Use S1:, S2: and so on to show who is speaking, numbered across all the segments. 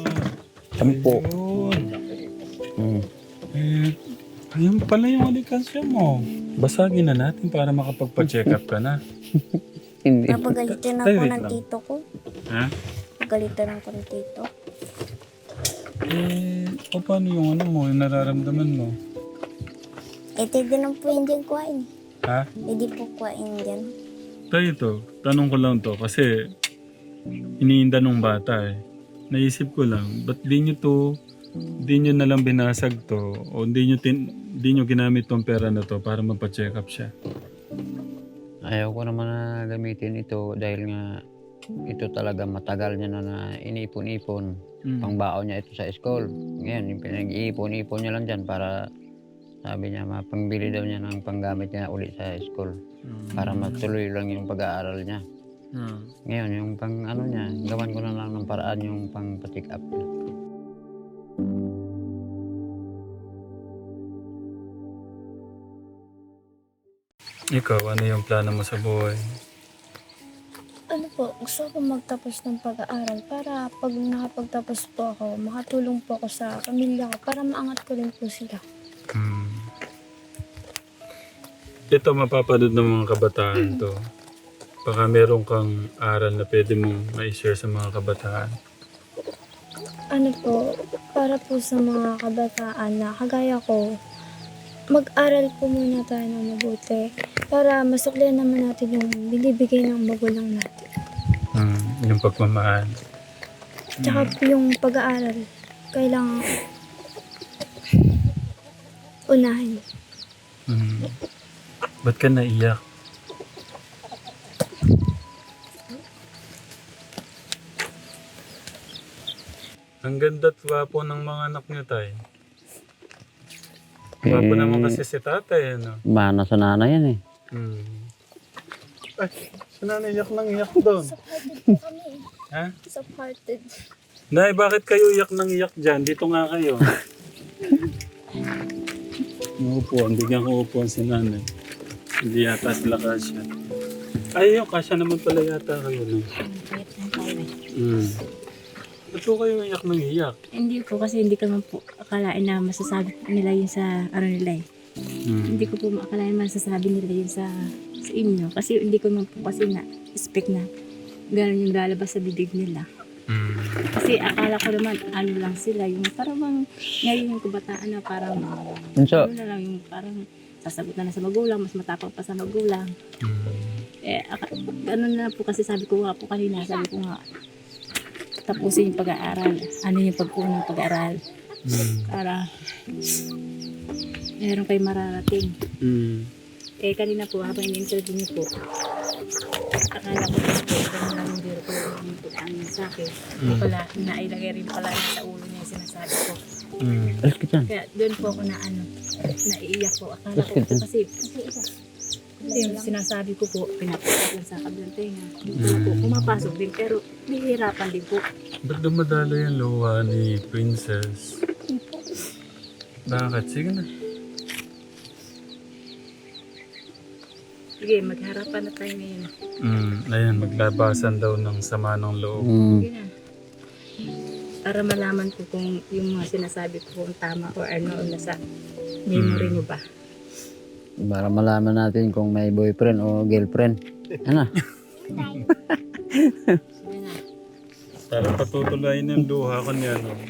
S1: 10.
S2: Ayun.
S1: Mm.
S2: Eh, ayun pala yung alikansya mo. Basagin na natin para makapagpa-check up ka na.
S1: Hindi.
S3: Napagalitan
S2: Tay,
S3: ako
S2: wait
S3: ng
S2: lang.
S3: tito ko.
S2: Ha?
S3: Pagalitan ako ng tito.
S2: Paano yung ano mo, yung nararamdaman mo?
S3: Pwede lang po hindi kuhain.
S2: Ha?
S3: Pwede po kuhain dyan.
S2: Tayo ito, tanong ko lang to kasi iniinda nung bata eh. Naisip ko lang, ba't di nyo na lang binasag to o di nyo ginamit tong pera na to para mapacheck up siya?
S1: Ayaw ko naman na gamitin ito dahil nga ito talaga matagal niya na inipon-ipon. Pangbaon niya ito sa school. Ngayon, yung pinag-iipon-ipon niya lang dyan para sabi niya mapangbili daw niya ng panggamit niya ulit sa school. Para matuloy lang yung pag-aaral niya. Ngayon, yung pang ano niya, gawan ko na lang ng paraan yung pang pa-check up niya.
S2: Ikaw, ano yung plano mo sa buhay?
S3: Ano po, gusto ko magtapos ng pag-aaral para pag nakapagtapos po ako, makatulong po ako sa pamilya ko para maangat ko rin po sila.
S2: Ito mapapanood ng mga kabataan to. Baka meron kang aral na pwede mong ma-share sa mga kabataan.
S3: Ano po, para po sa mga kabataan na kagaya ko, mag-aral po muna tayo ng mabuti para masuklihan naman natin yung binibigay ng magulang natin.
S2: Yung pagmamahal.
S3: Tsaka po yung pag-aaral, kailangan unahin.
S2: Ba't ka naiyak? Ang ganda at gwapo ng mga anak niyo, tay. Gwapo naman kasi si tatay, ano?
S1: Mana sa nanay yan eh.
S2: Ay, si nanay iyak nang iyak doon.
S3: Soft-hearted po kami.
S2: Ha?
S3: Soft-hearted.
S2: Nay, bakit kayo iyak nang iyak dyan? Dito nga kayo. Uupuan, bigyan ko upuan si nanay. Hindi yata sila kasya. Ay, yung kasya naman pala yata kayo. No? Ba't po kayo iyak nang iyak?
S4: Hindi po kasi hindi ko naman po akalain na masasabi nila yun sa ano nila eh. Hindi ko po akalain masasabi nila yun sa inyo. Kasi hindi ko naman po kasi na-expect na gano'n yung lalabas sa bibig nila. Kasi akala ko naman ano lang sila, yung parang ngayon yung kabataan na parang
S1: So,
S4: ano na lang yung parang sasagot na sa magulang, mas matapang pa sa magulang. Ganun na po kasi sabi ko nga po kanina, sabi ko nga tapusin yung pag-aaral. Ano yung pag-unang pag-aaral? Para meron kayo mararating. Kanina po habang in-interview niyo po, akala ko po, gano'n lang yung biro ko yung tutaan sa akin. Pala, nailagay rin pala sa ulo niya yung sinasabi ko.
S1: alas ka dyan.
S4: Kaya doon po ako naiiyak po. Akala ko po kasi yung sinasabi ko po, pinapasok lang sa kabilang tenga. Po, pumapasok din, pero nahihirapan din po.
S2: Ba't dumadalo yung luha ni Princess? Bakit? Sige na.
S4: Sige, magharapan na tayo ngayon.
S2: Ayan, maglabasan daw ng sama ng loob.
S4: Sige na. Para malaman ko kung yung mga sinasabi ko kung tama o ano o nasa memory nyo ba.
S1: Para malaman natin kung may boyfriend o girlfriend. Ano?
S4: Sige na.
S2: Para patutuloy ng luha ko niya, no?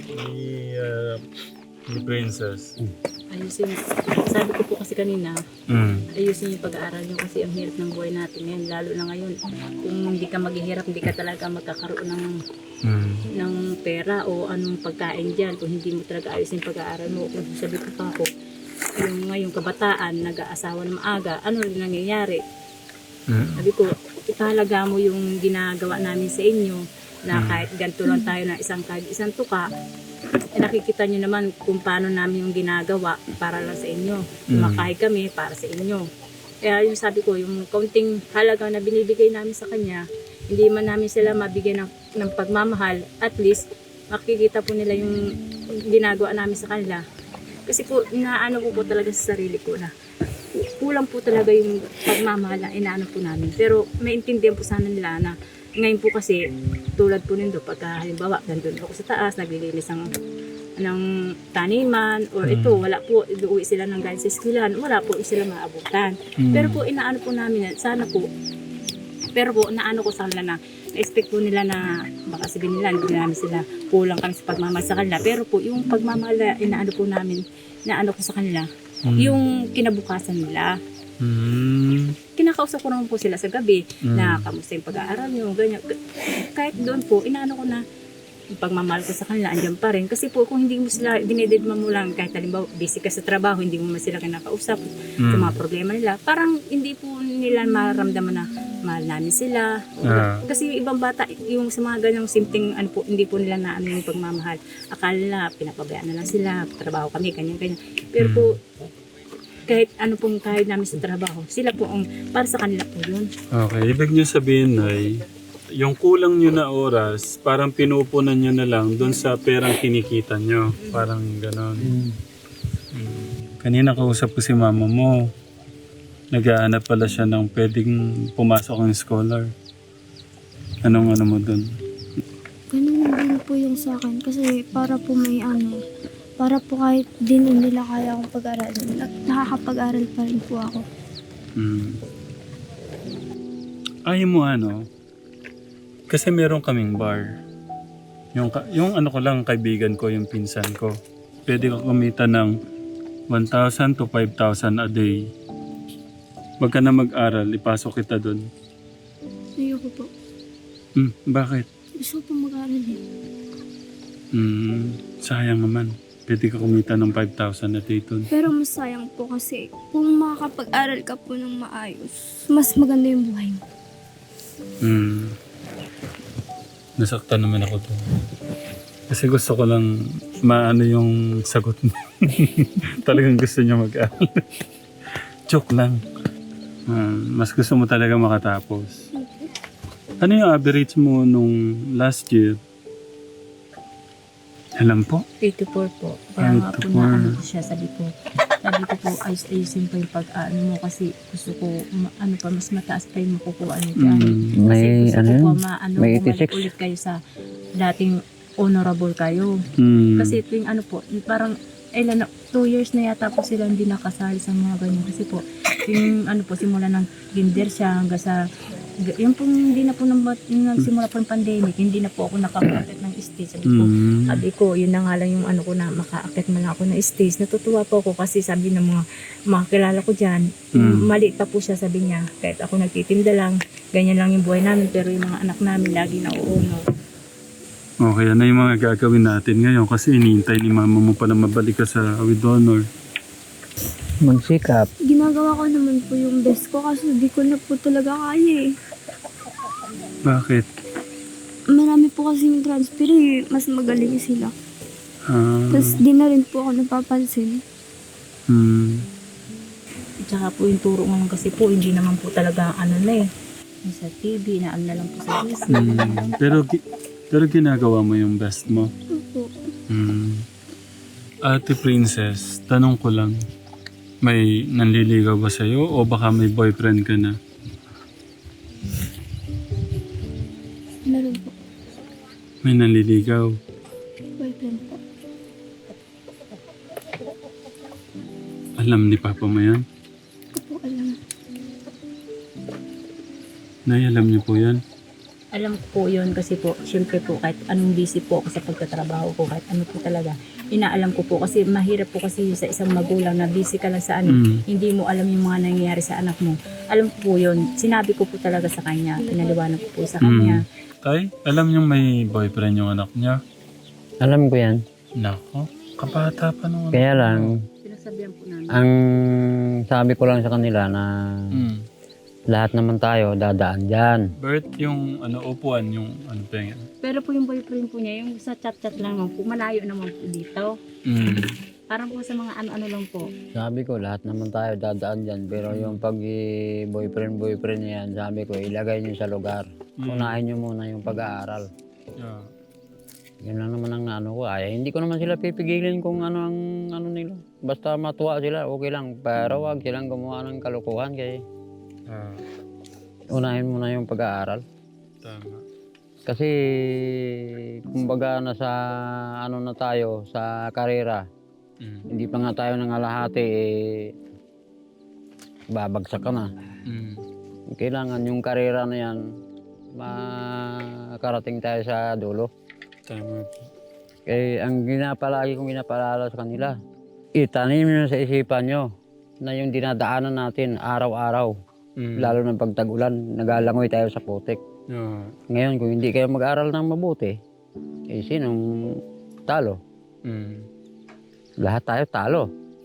S2: Ni Princess.
S4: Ayusin. Sabi ko po kasi kanina, ayusin yung pag-aaral nyo kasi ang hirap ng buhay natin ngayon. Lalo na ngayon, kung hindi ka maghihirap, hindi ka talaga magkakaroon ng pera o anong pagkain dyan. Kung hindi mo talaga ayusin yung pag-aaral mo. Kung sabi ko pa ako, yung ngayong kabataan, nag-aasawa na maaga, ano rin nangyayari? Sabi ko, ipahalaga mo yung ginagawa namin sa inyo na kahit ganito lang tayo na isang tuka, nakikita nyo naman kung paano namin yung ginagawa para lang sa inyo. Kumakain kami para sa inyo. Kaya yung sabi ko, yung kaunting halaga na binibigay namin sa kanya, hindi man namin sila mabigyan ng pagmamahal, at least makikita po nila yung ginagawa namin sa kanila. Kasi po, inaano ko po talaga sa sarili ko na kulang po talaga yung pagmamahal na inaano po namin. Pero maintindihan po sana nila na ngayon po kasi katulad po nindo, pagka halimbawa, nandun ako sa taas, naglilinis ng taniman, or ito, wala po, uuwi sila ng galing sa eskwelahan, wala po sila maabutan. Pero po, inaano po namin, sana po, pero po, naano ko sa kanila na, na-expect po nila na, baka sabihin nila, hindi namin sila kulang kami sa pagmamahal sa kanila. Pero po, yung pagmamahal na inaano po namin, naano ko sa kanila, yung kinabukasan nila. Kinakausap ko naman po sila sa gabi na kamusta yung pag-aaral nyo, ganyan. Kahit doon po, inaano ko na yung pagmamahal ko sa kanila, andyan pa rin. Kasi po, kung hindi mo sila, dinededma mo lang, kahit halimbawa, busy ka sa trabaho, hindi mo man sila kinakausap sa mga problema nila, parang hindi po nila maramdaman na mahal namin sila. Kasi yung ibang bata, yung sa mga ganyang simpleng, ano po, hindi po nila na ano yung pagmamahal. Akala nila, pinapabayaan na lang sila, trabaho kami, ganyan. Pero po, kahit ano pong kahit namin sa trabaho, sila po ang para sa kanila po yun.
S2: Okay, ibig niyo sabihin ay yung kulang nyo na oras, parang pinupunan nyo na lang doon sa perang kinikita nyo. Parang gano'n. Kanina kausap ko si mama mo. Nag-aanap pala siya ng pwedeng pumasok ng scholar. Anong ano mo doon?
S3: Ganun din po yung sa akin kasi para po may ano, para po kahit din nila kaya akong pag-aralin, nakakapag-aral pa rin po ako.
S2: Ayaw mo ano? Kasi meron kaming bar. Yung ano ko lang, kaibigan ko, yung pinsan ko. Pwede ka kumita ng 1,000 to 5,000 a day. Wag ka na mag-aral, ipasok kita doon.
S3: Ayoko po.
S2: Bakit?
S3: Gusto ko po mag-aral eh.
S2: Sayang naman. Pwede ka kumita ng 5,000 a day doon.
S3: Pero mas sayang po kasi kung makakapag-aral ka po ng maayos, mas maganda yung buhay mo.
S2: Nasaktan naman ako to. Kasi gusto ko lang maano yung sagot mo. Talagang gusto niya mag-aral. Joke lang. Mas gusto mo talaga makatapos. Ano yung average mo nung last year? Alam po?
S4: 84 po. Kaya nga po
S2: 84.
S4: na ano ko siya, sabi ko po ayusin po yung pag-ano mo kasi gusto ko ano pa, mas mataas pa yung makukuha niyo dyan. Kasi
S1: May
S4: gusto
S1: ano
S4: ko
S1: yun?
S4: po maano,
S1: May
S4: bumalik
S1: 86.
S4: ulit kayo sa dating honorable kayo. Kasi tuwing ano po, parang 2 years na yata po sila hindi nakasali sa mga ganyan. Kasi po, yung ano po, simula ng kinder siya hanggang sa yung pong hindi na po nagsimula po yung pandemic, hindi na po ako nakaka-akit ng stage. Sabi ko, yun na nga lang yung ano ko na maka-akit man ako ng stage. Natutuwa po ako kasi sabi ng mga kilala ko dyan, mali pa po siya, sabi niya. Kahit ako nagtitinda lang, ganyan lang yung buhay namin, pero yung mga anak namin lagi na uuno.
S2: Okay, ano yung mga gagawin natin ngayon? Kasi iniintay ni mama mo pala mabalik ka sa with honor.
S1: Magsikap.
S3: Ginagawa ko naman po yung best ko kasi di ko na po talaga kaya eh.
S2: Bakit?
S3: Marami po kasi yung transfer eh, mas magaling sila. Tapos di na rin po ako napapansin.
S4: Tsaka po yung turo ngayon kasi po, hindi naman po talaga ano na eh. Sa TV, na ano na lang po sa Disney.
S2: Pero ginagawa mo yung best mo.
S3: Opo.
S2: Ate Princess, tanong ko lang. May nanliligaw ba sa'yo o baka may boyfriend ka na?
S3: Meron po.
S2: May nanliligaw.
S3: Boyfriend po.
S2: Alam ni Papa mo yan?
S3: Hindi ko po alam.
S2: Nay, alam niyo po yan?
S4: Alam ko po yun kasi po, syempre po, kahit anong busy po ako sa pagtatrabaho ko, kahit ano po talaga, inaalam ko po kasi mahirap po kasi sa isang magulang na busy ka lang sa ano, hindi mo alam yung mga nangyayari sa anak mo. Alam ko po yun, sinabi ko po talaga sa kanya, pinaliwanag ko po sa kanya.
S2: Tay, alam niyo may boyfriend yung anak niya?
S1: Alam ko yan.
S2: Nako, kabata pa naman.
S1: Kaya lang,
S4: Sinasabihan po namin.
S1: ang sabi ko lang sa kanila na lahat naman tayo dadaan dyan.
S2: Bert, yung ano, upuan, yung ano pa yan?
S4: Pero po yung boyfriend po niya, yung sa chat-chat lang naman po, malayo naman po dito. Parang po sa mga ano-ano lang po.
S1: Sabi ko, lahat naman tayo dadaan dyan. Pero yung pag boyfriend niya yan, sabi ko, ilagay niyo sa lugar. Unahin niyo muna yung pag-aaral.
S2: Yeah.
S1: Yun lang naman ang ano ko. Ay, hindi ko naman sila pipigilin kung ano ang ano nila. Basta matuwa sila, okay lang. Pero wag silang gumawa ng kalukuhan kaya unahin mo na yung pag-aaral.
S2: Tama.
S1: Kasi kumbaga nasa ano na tayo sa karera, hindi pa nga tayo nangalahati babagsak ka na. Kailangan yung karera na yan makarating tayo sa dulo.
S2: Tama po.
S1: Kaya ang palagi kong pinapaalala sa kanila, itanim nyo sa isipan nyo na yung dinadaanan natin araw-araw, lalo ng pagtag-ulan, nagalangoy tayo sa putik. Ngayon, kung hindi kayo mag-aral ng mabuti, sinong talo? Lahat tayo talo.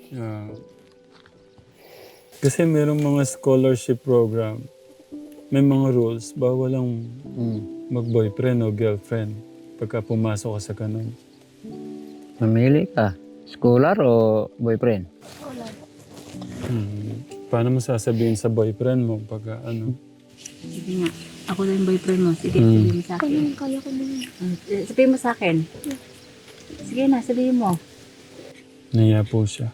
S2: Kasi merong mga scholarship program, may mga rules, bawal lang mag-boyfriend o girlfriend pagka pumasok ka sa ganun.
S1: Mamili ka, scholar o boyfriend?
S2: Paano mo sasabihin sa boyfriend mo pagka ano?
S4: Sige nga, ako na yung boyfriend mo. Sige, sabihin mo sa akin.
S3: Kaya ko naman.
S4: Sabihin mo sa akin. Sige na, sabihin mo.
S2: Naiya po siya.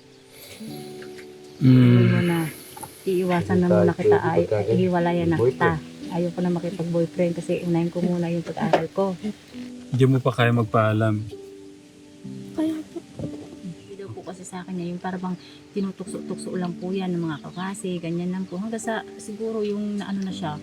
S4: Sabihin mo na, iiwasan na muna kita, ihiwalayan na kita. Ayoko na makipag-boyfriend kasi unahin ko muna yung pag-aaral ko.
S2: Hindi mo pa kaya magpaalam.
S3: Kaya po.
S4: Hindi daw po kasi sa akin niya, yung parang tinutukso-tukso lang po yan ng mga kakasi, ganyan lang po. Hanggang sa siguro yung naano na siya.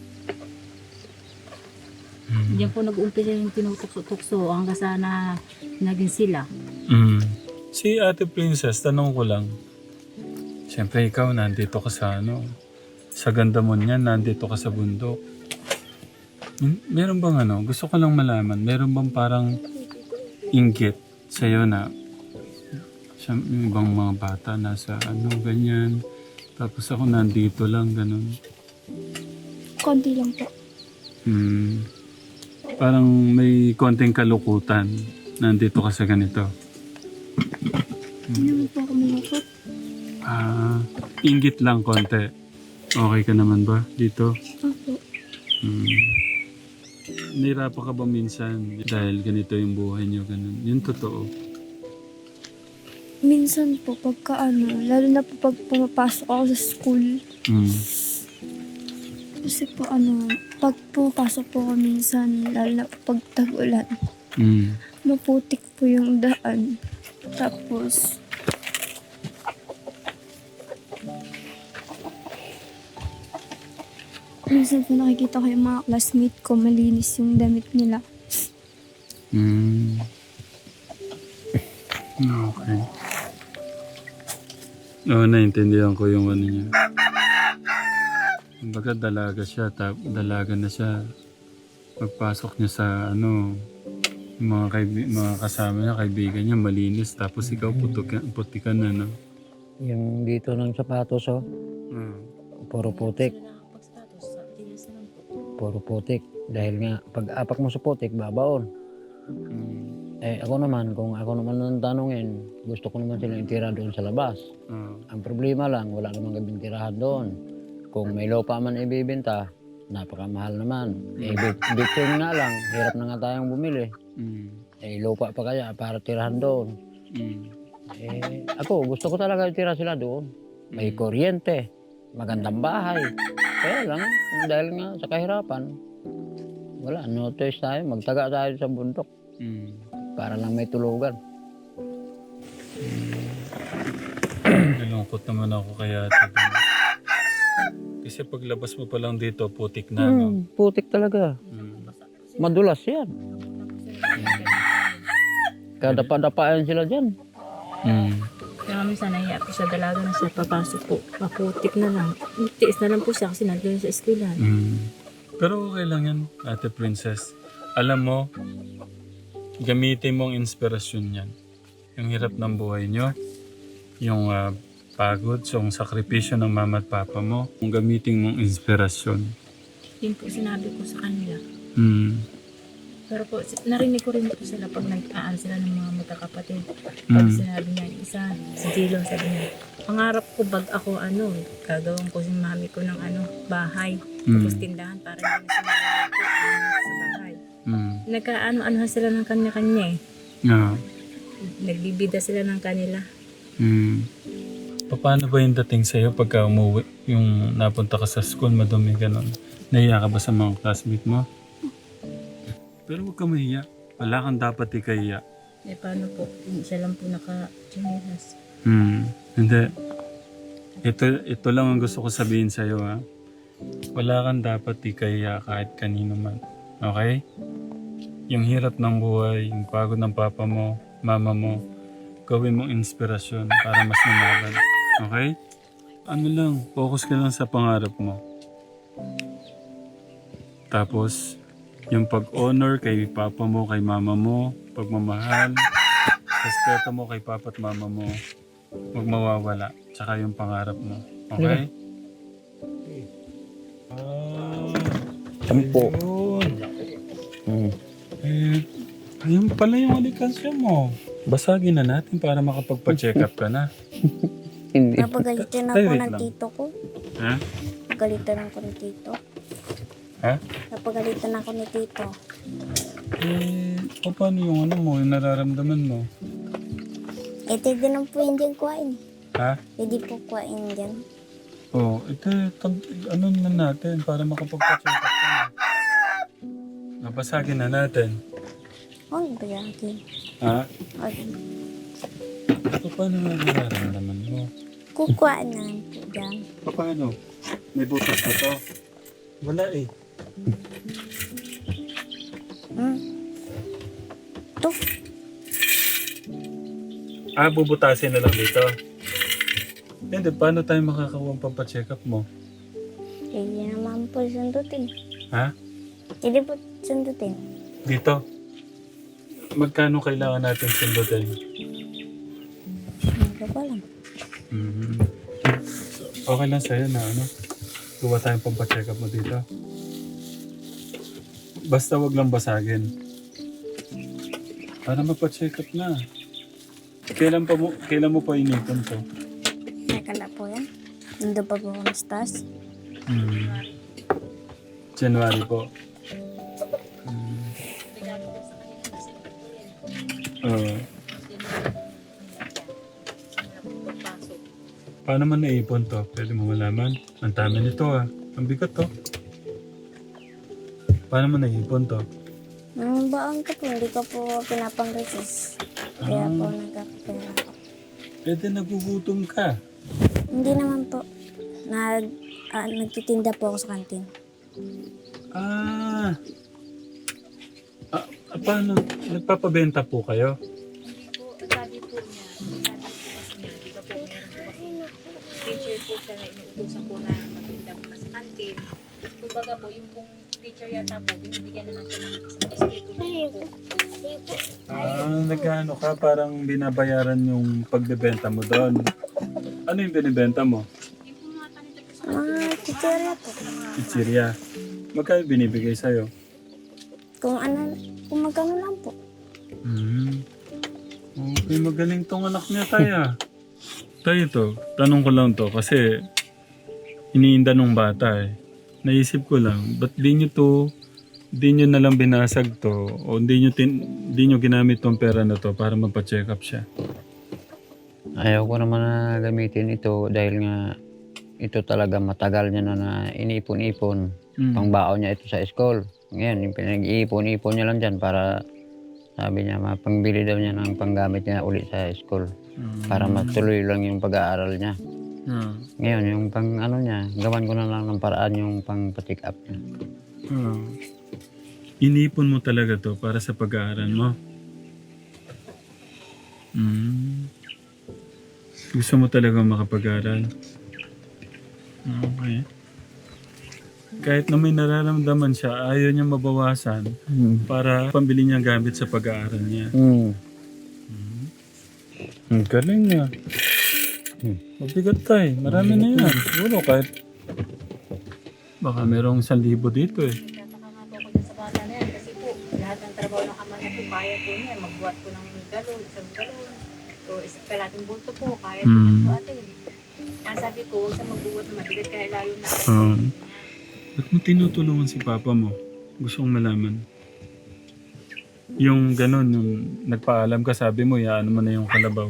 S4: Diyan po nag-uumpisa yung tinutukso-tukso hanggang sa na naging sila.
S2: Si Ate Princess, tanong ko lang. Siyempre ikaw, nandito ka sa sa ganda mo niyan, nandito ka sa bundok. Meron bang gusto ko lang malaman, meron bang parang inggit sa'yo na yung ibang mga bata nasa ganyan. Tapos ako nandito lang, ganun.
S3: Konti lang po.
S2: Parang may konting kalukutan. Nandito ka sa ganito.
S3: Hindi naman po ako malungkot.
S2: Inggit lang konti. Okay ka naman ba dito?
S3: Opo.
S2: Nahirapan ka ba minsan dahil ganito yung buhay niyo, ganun? Yung totoo.
S3: Minsan po, pagka lalo na po pag pumapasok ako sa school. Kasi po pag pumapasok po ako minsan, lalo na po pag tag-ulan, maputik po yung daan. Tapos, minsan po nakikita ko yung mga classmate ko, malinis yung damit nila.
S2: Okay. Oo, naintindihan ko yung niya. Kumbaga dalaga siya, dalaga na siya. Pagpasok niya sa yung mga kasama niya, kaibigan niya, malinis. Tapos ikaw putikan na,
S1: Yung dito ng sapatos, puro putik. Puro putik. Dahil nga, pag apak mo sa putik, babaon. Ako naman, kung ako naman ang tanungin, gusto ko naman silang itira doon sa labas. Ang problema lang, wala namang gabing tirahan doon. Kung may lupa man ibibenta, napakamahal naman. Bitcoin nga lang, hirap na nga tayong bumili. Lupa pa kaya para tirahan doon. Ako, gusto ko talaga itira sila doon. May kuryente, magandang bahay. Kaya lang, dahil nga sa kahirapan, wala, no choice tayo, magtaga tayo sa bundok. Para lang may tulugan.
S2: Nalungkot naman ako kaya ito. Kasi paglabas mo pa lang dito, putik na,
S1: Putik talaga. Madulas yan. Kadapa-dapaan sila dyan.
S4: Kaya minsan nahiya po siya, dalaga na siya, papasok po, paputik na lang. Tiis na lang po siya kasi nandun sa eskwelahan.
S2: Pero okay lang yan, Ate Princess. Alam mo, gamitin mo ang inspirasyon yan. Yung hirap ng buhay nyo, yung pagod, so yung sakripisyo ng mama at papa mo, kung gamitin mong inspirasyon.
S4: Yun po sinabi ko sa kanila. Pero po, narinig ko rin po sila pag nag-aan sila ng mga magkakapatid. Pag sinabi niya, isa, si Jilo, sabi niya, pangarap ko bag ako, gagawin ko si mami ko ng bahay. Tapos tindahan para hindi na sila sa bahay. Nagkaano-ano sila ng kanya-kanya eh. Nagbibida sila ng kanila.
S2: Paano ba yung dating sa'yo pagka umuwi, yung napunta ka sa school, madumi, gano'n? Nahiya ka ba sa mga classmate mo? Pero huwag ka mahiya. Wala kang dapat ikahiya.
S4: Eh paano po? Siya lang po naka-chinilas.
S2: Hindi. Ito lang ang gusto ko sabihin sa'yo, ha. Wala kang dapat ikahiya kahit kanino man. Okay? Yung hirap ng buhay, yung pagod ng papa mo, mama mo, gawin mong inspirasyon para mas lumaban. Okay? Ano lang, focus ka lang sa pangarap mo. Tapos, yung pag-honor kay papa mo, kay mama mo, pagmamahal, respeto mo kay papa at mama mo, huwag mawawala. Tsaka yung pangarap mo. Okay?
S1: Kami po.
S2: Ayun. Ayun pala yung alikansya mo. Basagin na natin para makapagpa-check up ka na.
S1: Hindi.
S3: Napagalitan
S2: Ay,
S3: ako
S2: wait
S3: ng
S2: lang.
S3: tito ko.
S2: Ha?
S3: Napagalitan ako ng tito.
S2: Ha?
S3: Napagalitan ako ni tito.
S2: Paano yung ano mo, yung nararamdaman mo?
S3: Ito din ang po hindi kuhain.
S2: Ha?
S3: Pwede po kuhain dyan.
S2: Ano na natin para makapagpa-check up ka na. Nabasagin na natin.
S3: Huwag ba yan?
S2: Ha?
S3: Huwag.
S2: Paano nga nararamdaman mo?
S3: Kukuhaan na po dyan.
S2: Paano? May butas na to? Wala eh.
S3: Ito.
S2: Bubutasin na lang dito. Hindi, paano tayo makakakuha ang pampacheck up mo?
S3: Hindi naman po sundutin.
S2: Ha?
S3: Hindi po sundutin.
S2: Dito? Magkano kailangan natin sundutin?
S3: Hindi ko alam.
S2: Okay lang sa'yo na ano? Kuha tayong pampacheck up mo dito. Basta wag lang basagin. Para mapacheck up na. Kailan mo pa inipon to?
S3: Teka na po yan. Nandun pa po ako ng stas.
S2: January po. Paano man naipon to? Pwede mo malaman. Ang dami nito Ang bigat to. Paano mo naipon to?
S3: Nang baon ko po, hindi ko po pinapang-resist. Kaya po nagkakapera ako.
S2: Pwede nagugutom ka.
S3: Hindi naman po. Nagtitinda po ako sa kantin.
S2: Paano? Nagpapabenta po kayo?
S4: Hindi po, sabi po niya, di ba po meron po kasi teacher po siya na inuutosan po na magtinda po sa kantin. Kumbaga po, yung pong teacher yata po, binibigyan na lang siya ng isang biskuit po.
S2: Nagkano ka? Parang binabayaran yung pagbebenta mo doon. Ano yung binibenta mo?
S4: Yung po mga kanita po sa
S3: Mga chichirya po.
S2: Pizzeria. Magkano binibigay sa'yo?
S3: Kung magkano lang po.
S2: Okay, magaling tong anak niya, Taya. Tayo to, tanong ko lang to kasi iniinda nung bata eh. Naisip ko lang, ba't di nyo na lang binasag to o di nyo ginamit tong pera na to para magpa-check up siya?
S1: Ayaw ko naman na gamitin ito dahil nga ito talaga matagal niya na inipon-ipon. Pangbaon niya ito sa school. Ngayon, yung pinag-iipon-ipon niya lang dyan para sabi niya mapangbili daw niya ng panggamit niya uli sa school. Para matuloy lang yung pag-aaral niya. Ngayon, yung pang ano niya, gawan ko na lang ng paraan yung pang pa-check up niya.
S2: Inipon mo talaga to para sa pag-aaral mo? Gusto mo talaga makapag-aaral? Okay. Kahit na may nararamdaman siya, ayaw niya mabawasan para pambili niya gamit sa pag-aaral niya. Ang galing niya. Mabigat tayo. Marami na yan. Siguro kahit baka merong 1,000 dito eh.
S4: Tataka nga po ako dyan sa bata na yan kasi po, lahat ng trabaho ng ama niya po, kaya po niya. Magbuhat po ng galon, isang galon. So, kalating bulto po, kaya po ng buhatin. Ang sabi ko, huwag sa magbuhat na mabigat kaya layo na.
S2: Ba't mo tinutulungan si papa mo? Gusto kong malaman. Yung gano'n, yung nagpaalam ka, sabi mo, yaano mo na yung kalabaw.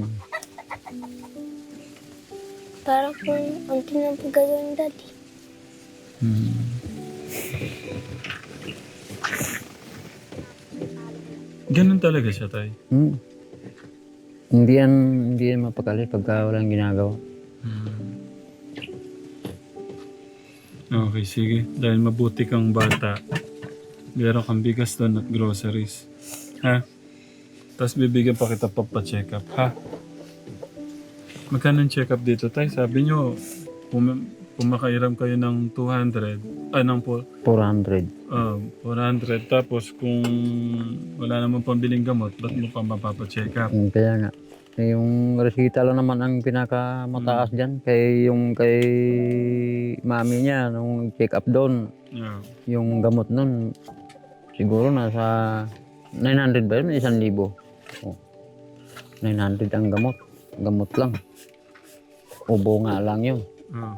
S3: Parang kung unti na po gagawin dati.
S2: Ganun talaga siya, tay.
S1: Hmm. Hindi yan mapakali pagka walang ginagawa.
S2: Okay, sige. Dahil mabuti kang bata, meron kang bigas doon at groceries. Ha? Tapos bibigyan pa kita papacheck up, ha? Magkano ang check up dito, tay? Sabi nyo, pumakairam kayo ng 200, ng
S1: 400.
S2: 400. Tapos kung wala namang pambiling gamot, ba't mo pa mapapacheck up?
S1: Kaya nga. Yung resita lang naman ang pinakamataas dyan. Kay mami niya, nung check up doon,
S2: Yeah.
S1: yung gamot nun, siguro nasa 900 ba yun? 1,000. Oh. 900 ang gamot. Gamot lang. Ubo nga lang yun.
S2: Ah.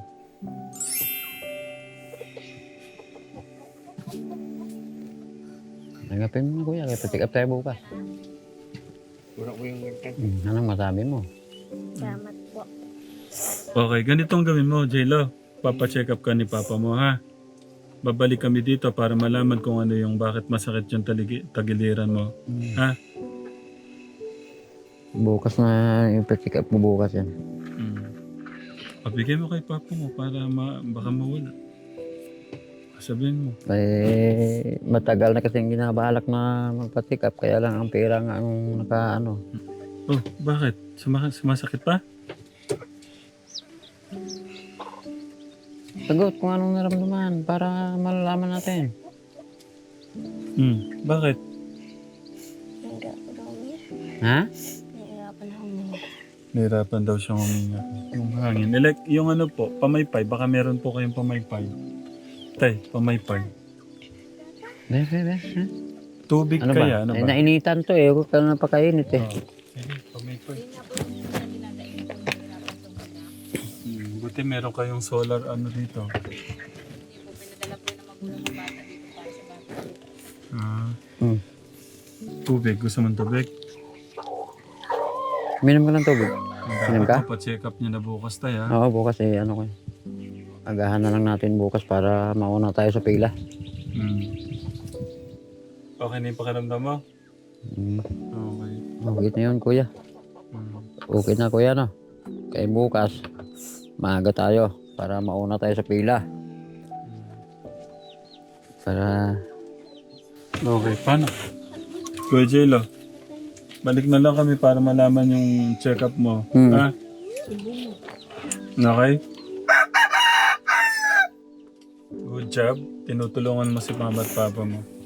S1: Nagapin mo na kuya, kaya pa-check up tayo bukas. Anong masabi mo?
S3: Salamat po.
S2: Okay, ganitong gawin mo, J-Lo. Papacheck up ka ni Papa mo, ha? Babalik kami dito para malaman kung ano yung bakit masakit yung tagiliran mo. Ha?
S1: Bukas na yung pa-check up mo bukas yan.
S2: Pabigay mo kay Papa mo para baka mawala. Sabihin mo.
S1: Eh, matagal na kasing ginabalak na magpa-check up, kaya lang ang pera nga ang naka-ano.
S2: Oh, bakit? Sumasakit pa?
S1: Sagot kung anong naramdaman para malalaman natin.
S2: Bakit?
S1: Ha?
S2: Nahirapan daw siyang huminga. Yung hangin. Yung ano po, pamaypay. Baka meron po kayong pamaypay. Tay, pamaypay.
S1: Be.
S2: Tubig
S1: Ano
S2: kaya?
S1: ba?
S2: Ano
S1: Eh,
S2: ba?
S1: nainitan to eh. Huwag ka na napakainit eh.
S2: Sige, pamaypay. Buti meron kayong solar ano dito.
S1: Hmm.
S2: Tubig. Gusto mong tubig?
S1: Minom ka ng tubig. Minom ka?
S2: Pa-check up niya na bukas tayo, ha?
S1: Oo, bukas eh. Ano ko eh. Agahan na lang natin bukas para mauna tayo sa pila.
S2: Okay na yung pakiramdam mo? Okay.
S1: Okay na yun, kuya. Okay na, kuya, no? Kaya bukas, maaga tayo para mauna tayo sa pila. Para...
S2: Okay, paano? Kuya Jello, balik na lang kami para malaman yung check-up mo. Ha? Okay? Good job. Tinutulungan mo si mama at papa mo.